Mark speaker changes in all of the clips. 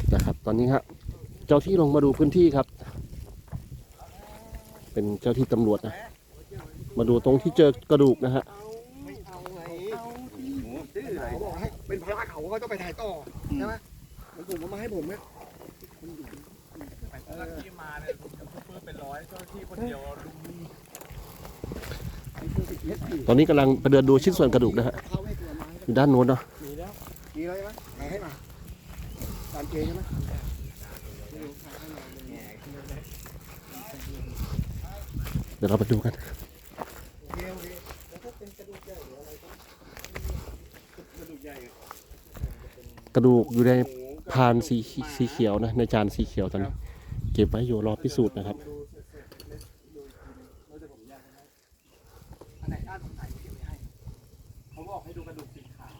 Speaker 1: นะครับตอนนี้ครับเจ้าที่ลงมาดูพื้นที่ครับเป็นเจ้าที่ตำรวจนะมาดูตรงที่เจอกระดูกนะฮะ
Speaker 2: ไม่เอาไงดื้ออะไรบอกให้เป็นพระเขาก็ต้องไปถ่ายต่อใช่ไหมผมเอามาให้ผมเนี่ย
Speaker 3: เจ้าหน้าที่มาเนี่ยซุปเปอร์เป็นร้อยเจ้าหน้าที่คนเดียวลุม
Speaker 1: ตอนนี้กำลังไปเดินดูชิ้นส่วนกระดูกนะฮะอยู่ด้านโน้นเนาะ
Speaker 2: มีแล้วมีอะไรไหมไหนให้มาตามเกณฑ์ใช่ไหม
Speaker 1: เดี๋ยวเราไปดูกัน
Speaker 2: โอเคแล้วถ้าเป็นกระดูกใหญ่หรืออะไรกระดูกใหญ่
Speaker 1: กระดูกอยู่ในพานสีเขียวนะในจานสีเขียวตอนนี้เก็บไว้อยู่รอพิสูจน์นะครับ
Speaker 3: อันไหนน่าสงสัยเก็บไว้ให้เขาบอกให้ดูกระดูกสีขาว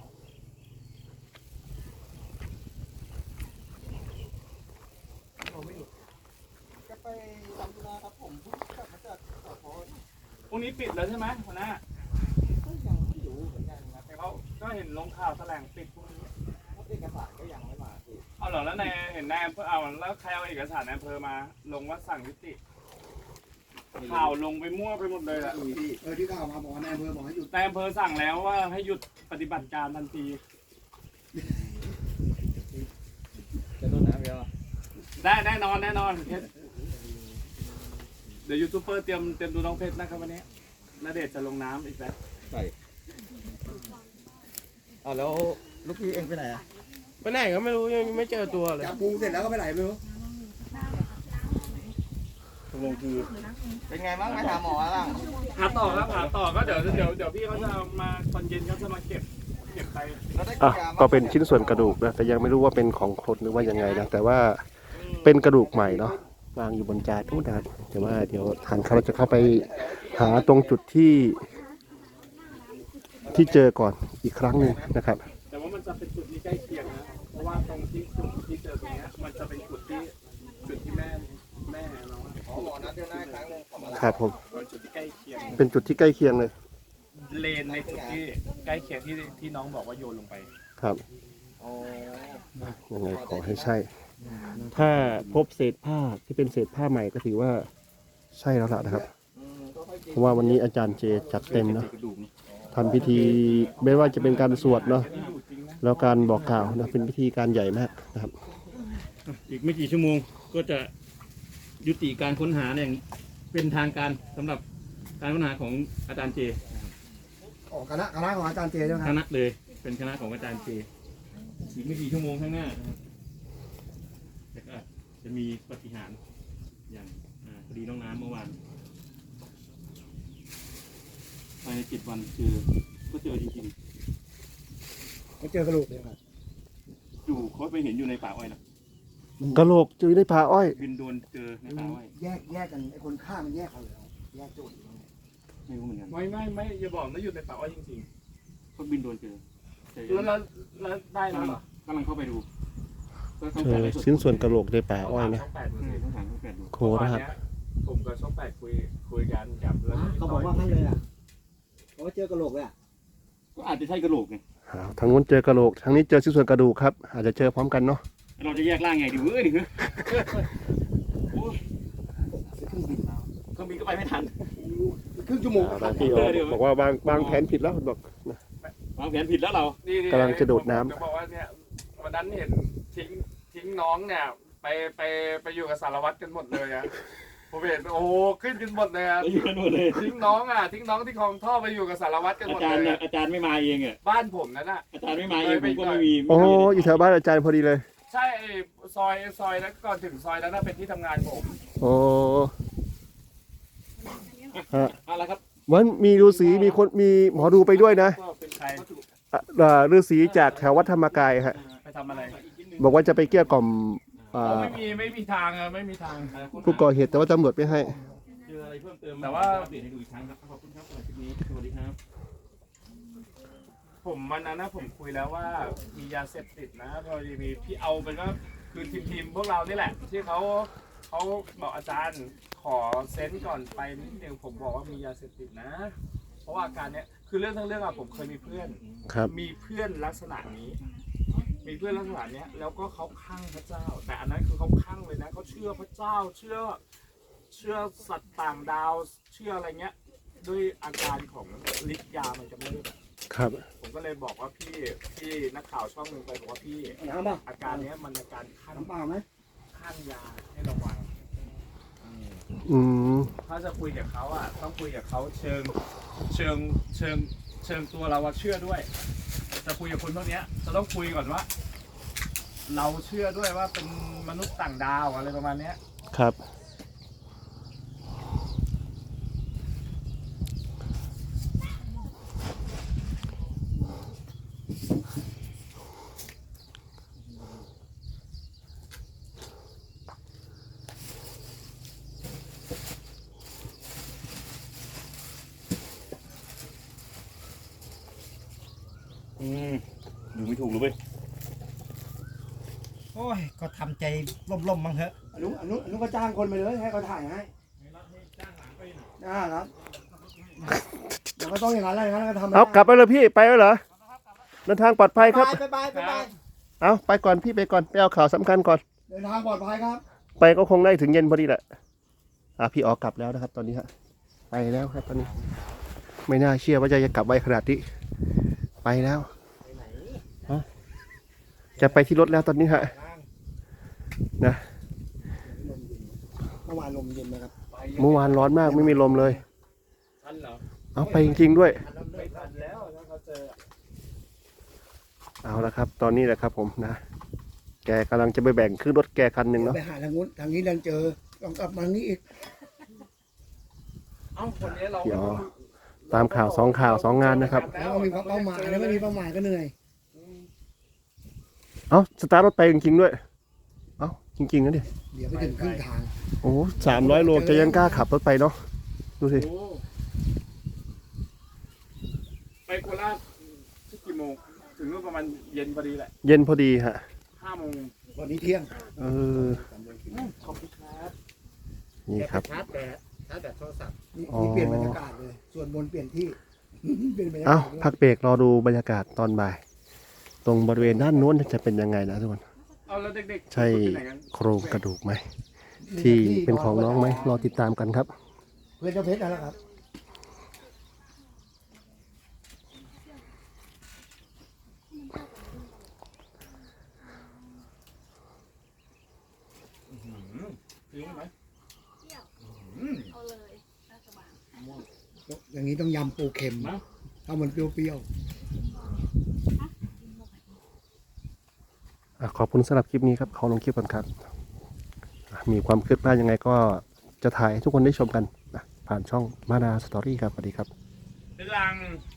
Speaker 2: จะไปทำธุระครับผมกลับมาจากสพ
Speaker 3: พรุ่งนี้ปิดแล้วใช่ไหมหัวหน้า
Speaker 2: ก็ยังไม่รู้เหมือนกันครับ
Speaker 3: แต่เขาก็เห็นลงข่าวแถลงปิดพรุ่งนี้
Speaker 2: เอกสารก็ยังไม่มาพี่
Speaker 3: เอาเหรอแล้วในเห็นนายอำเภอเอาแล้วใครเอาเอกสารนายอำเภอมาลงว่าสั่งยุติข่าวลงไปมั่วไปหมดเลยแหละ
Speaker 2: ที่ข่าวมาบอกว่านายอำเภอบอกให้หยุด
Speaker 3: นายอำเภอสั่งแล้วว่าให้หยุดปฏิบัติการทันที
Speaker 2: จะโดนน้ำเยอะ
Speaker 3: ได้แน่นอนเพชรเดี๋ยวยูทูบเบอร์เตรียมดูน้องเพชรนะครับวันนี้ณเดชน์จะลงน้ำอีกแล้ว
Speaker 2: ใช่อ๋อแล้วลูกพี่เองไปไหนอ่ะ
Speaker 4: ไปไหนก็ไม่รู้ยังไม่เจอตัวเลย
Speaker 2: จับปูเสร็จแล้วก็ไปไหนไม่รู้
Speaker 4: เป็นไงบ้างไปหาหมอบ้าง
Speaker 3: หาต่อครับหาต่อก็เดี๋ยวพี่เขาจะเอามาตอนเย็นเขาจะมาเก็บไป
Speaker 1: อ่ะก็เป็นชิ้นส่วนกระดูกนะแต่ยังไม่รู้ว่าเป็นของคนหรือว่ายังไงนะแต่ว่าเป็นกระดูกใหม่เนาะวางอยู่บนจานทุกนะครับแต่ว่าเดี๋ยวทางเขาจะเข้าไปหาตรงจุดที่เจอก่อนอีกครั้งหนึ่งนะครับ
Speaker 3: แต่ว่ามันจะเป็นจุดที่ใกล้เคียงนะเพราะว่าตรงที่จุดที่เจอตรงเนี้ยมันจะเป็นจุดที่แม่เราอะ
Speaker 2: อ๋อหมอนัดเดือนหน้าครั้งนึงขอมา
Speaker 1: ครับผม
Speaker 3: เป็นจุดที่ใกล้เคียง
Speaker 1: เป็นจุดที่ใกล้เคียงเลย
Speaker 3: เลนในจุดที่ใกล้เคียงที่น้องบอกว่าโยนลงไป
Speaker 1: ครับ
Speaker 2: อ๋อ
Speaker 1: ยังไงขอให้ใช่ ถ้าพบเศษผ้าที่เป็นเศษผ้าใหม่ก็ถือว่าใช่แล้วล่ะนะครับ เพราะว่าวันนี้อาจารย์เจจัดเต็มเนาะทำพิธีไม่ว่าจะเป็นการสวดเนาะแล้วการบอกกล่าวนะเป็นพิธีการใหญ่มากนะครับ
Speaker 4: อีกไม่กี่ชั่วโมงก็จะยุติการค้นหาอย่างเป็นทางการสำหรับการค้นหาของอาจารย์เจ
Speaker 2: อ๋อคณะของอาจารย์เจใช่ไหมค
Speaker 4: ครับ ณะเลยเป็นคณะของอาจารย์เจอีกไม่กี่ชั่วโมงข้างหน้านะครับแต่ก็อาจจะมีปาฏิหาริย์อย่างคดีน้องน้ำเมื่อวานภายใน7 วันก็เจอจริง
Speaker 2: เขาเจอกระดูกเลยครับ
Speaker 4: ๆอยู่เขาไปเห็นอยู่ในป่าอ้อยนะ
Speaker 1: กระโหลกอยู่ในป่าอ้อย
Speaker 4: บินโดนเจอในป่าอ้อย
Speaker 2: แยกกันไอ้คนฆ่ามันแยกเขาเลยแยกจุด
Speaker 4: ไม่รู้เหมือนกัน
Speaker 3: ไม่อย่าบอกนะอยู่ในป่าอ้อยจริง
Speaker 4: เขาบินโดนเจอ
Speaker 3: ๆแล้วได้แล้วเหรอก
Speaker 4: ำลังเข้าไปดูก็ต้อง
Speaker 1: เจ
Speaker 4: การ
Speaker 1: อ
Speaker 4: ไลฟ์สด
Speaker 1: ชิ้นส่วนกระโหลกในป่าอ้อยนะ
Speaker 3: ช่องแปดดูสิ
Speaker 4: ต้องถามเขาแปดดู
Speaker 1: โคราช
Speaker 3: ผมกับช่องแปดคุยกันกับแล้ว
Speaker 2: เขาบอกว่าให้เลยอ่ะเขาเจอกระโหลกเลยอ่ะ
Speaker 4: ก็อาจจะใช่กระโหลกไง
Speaker 1: ทางนู้นเจอกระโหลกทางนี้เจอชิ้นส่วนกระดูกครับอาจจะเจอพร้อมกันเนาะ
Speaker 4: เราจะแยกร่างไงดีเว้ยนี่คือเครื่องบินก็ไปไม่ทัน
Speaker 2: ครึ่งชั่วโมง
Speaker 1: พี่บอกว่าวางแผนผิดแล้วบอก
Speaker 4: วางแผนผิดแล้วเรา
Speaker 1: กำลังจะโดดน้ำ
Speaker 3: ผมจะบอกว่าเนี่ยวันนั้นเห็นทิ้งน้องเนี่ยไปอยู่กับสารวัตรกันหมดเลยอะผมเห็นโอ้โหขึ้นกันหมดเลยอะ
Speaker 4: ไปอยู่กันหมดเลย
Speaker 3: ทิ้งน้องที่คลองท่อไปอยู่กับสารวัตรกันหมดเลยอะ
Speaker 4: อาจารย์ไม่มาเองอ่ะ
Speaker 3: บ้านผมนั่นน่ะ
Speaker 4: อาจารย์ไม่มาเองผมก็ไม่มี
Speaker 1: โอ้อยู่แถวบ้านอาจารย์พอดีเลย
Speaker 3: ใช่ไอ้ซอยนั้นก่อนถึงซอยนั้นน่ะเป็นที่ทำงานผม
Speaker 1: โอ้ฮะ
Speaker 4: อะไรครับ
Speaker 1: วันมีฤาษีมีคนมีหมอดูไปด้วยนะ
Speaker 3: ก็เป็นใคร
Speaker 1: ฤาษีจากแถววัดธรรมกายฮะ
Speaker 3: ไปทำอะไร
Speaker 1: บอกว่าจะไปเกลี้ยกล่อม
Speaker 3: ไม่มีทางอะไม่มีทาง
Speaker 1: ผู้ก่อเหตุแต่ว่าตำรวจไม่ให้
Speaker 4: เจออะไรเพิ่มเติม
Speaker 3: แต่ว่า
Speaker 4: อัปเดตให้ดูอีกครั้งครับขอบคุณครับสำหรับคลิปนี้สวัสดีครับ
Speaker 3: ผมวันนั้นนะผมคุยแล้วว่ามียาเสพติดนะพอดีมีพี่เอาเป็นว่าคือทีมพวกเรานี่แหละ ที่เขาบอกอาจารย์ขอเซนต์ก่อนไปนิดนึงผมบอกว่ามียาเสพติดนะ เพราะว่าอาการเนี้ยคือเรื่องทั้งเรื่องอะผมเคยมีเพื่อน
Speaker 1: ครับ
Speaker 3: มีเพื่อนลักษณะนี้มีเพื่อนลักษณะเนี้ยแล้วก็เขาคลั่งพระเจ้า แต่อันนั้นคือเขาคลั่งเลยนะเขาเชื่อพระเจ้าเชื่อสัตว์ต่างดาวเชื่ออะไรเงี้ยด้วยอาการของฤทธิ์ยามันจะไม่ได้แบบ
Speaker 1: ครับ
Speaker 3: ผมก็เลยบอกว่าพี่นักข่าวช่องหนึ่งไปบอกว่าพี่
Speaker 2: น้ำป่ะ
Speaker 3: อาการเนี้ยมันอาการคลั่ง
Speaker 2: น้ำเปล่าไหม
Speaker 3: คลั่งยาให้ระวัง
Speaker 1: อืม
Speaker 3: ถ้าจะคุยกับเขาอ่ะต้องคุยกับเขาเชิงตัวเราว่าเชื่อด้วยจะคุยกับคนพวกเนี้ยจะต้องคุยก่อนว่า เราเชื่อด้วยว่าเป็นมนุษย์ต่างดาวอะไรประมาณเนี้ย
Speaker 1: ครับ
Speaker 4: อยู่ไม่ถูกเลยเว้ย
Speaker 5: โอ้ย ก็ทำใจล่มๆมั้งเถอะ
Speaker 2: อนุก็จ้างคนไปเลยให้เขาถ่ายให้ครับเดี๋ยวก็ต้องอย่างนั้นแหละอย่างนั้นก็ทำไม่ได้
Speaker 1: เอากลับไปเลยพี่ไปแล้วเหรอเดินทางปลอดภัยครับ
Speaker 2: ไป
Speaker 1: เอาไปก่อนพี่ไปก่อนไปเอาข่าวสำคัญก่อน
Speaker 2: เดินทางปลอดภัยครับ
Speaker 1: ไปก็คงได้ถึงเย็นพอดีแหละพี่ออกกลับแล้วนะครับ ตอนนี้ฮะไปแล้วครับตอนนี้ ไม่น่าเชื่อว่าจะกลับไวขนาดนี้ไปแล้วฮะจะไปที่รถแล้วตอนนี้ฮะนะ
Speaker 2: เมื่อวานลมเย็นนะครับ
Speaker 1: เมื่อวานร้อนมากไม่มีลมเลย
Speaker 3: ทันเหรอ
Speaker 1: เอาไปจริงๆด้วย
Speaker 3: ไม่ทันแล้วถ้าเขาเจอ
Speaker 1: เอาละครับ ตอนนี้แหละครับผมนะ แกกำลังจะไปแบ่งขึ้นรถแกคันหนึ่งเนาะ
Speaker 2: ไปหาทางนู้นทางนี้ดันเจอต้องกลับมานี้อีก
Speaker 3: เอ้าคนนี้เรา
Speaker 1: เดี๋ยวตามข่าวสองงานนะครับ
Speaker 2: แล้วก็มีเป้าหมายแล้วไม่มีเป้าหมายก็เหนื่อย
Speaker 1: เอาสตาร์ทรถไปจริงๆด้วย เอาจริงๆนะดิ
Speaker 2: เดี๋ยวไปถึงครึ่งทาง
Speaker 1: โอ้300 โลจะยังกล้าขับรถไปเนาะดูสิ
Speaker 3: โอ้ไปโคราชที่กี่โมงถึงนู่นประมาณเย็นพอดีแหละ
Speaker 1: เย็นพอดีฮะ
Speaker 3: 5 โมง
Speaker 2: วันนี้เที่ยง
Speaker 1: เออ
Speaker 3: ขอบคุณครับ
Speaker 1: นี่ครับ
Speaker 5: ชาร์จแบตโทรศัพท์
Speaker 2: นี่เปลี่ยนบรรยากาศเลย ส่วนบนเปลี่ยนที่ เปลี่ยนบรรยากา
Speaker 1: เอ้า
Speaker 2: ศด้วย
Speaker 1: พักเบรกรอดูบรรยากาศตอนบ่าย ตรงบริเวณด้านโน้นจะเป็นยังไงนะทุกคน
Speaker 3: เอาแล้วเด็กๆ
Speaker 1: ใช่
Speaker 3: ไปไหนกัน
Speaker 1: โครงกระดูกไหม ที่เป็นของน้องไหมรอติดตามกันครับ
Speaker 2: เพื่อนเจ้าเพชรนั่นแหละครับ
Speaker 3: ถึงไหม
Speaker 6: เอาเลยราชบัง
Speaker 2: อย่างนี้ต้องยำปูเค็มถ้ามันเปรี้ยว
Speaker 1: ขอบคุณสำหรับคลิปนี้ครับขอลงคลิปก่อนครับมีความคืบหน้ายังไงก็จะถ่ายให้ทุกคนได้ชมกันนะผ่านช่องมาดาสตอรี่ครับสวัสดีครับ
Speaker 3: เป็นลัง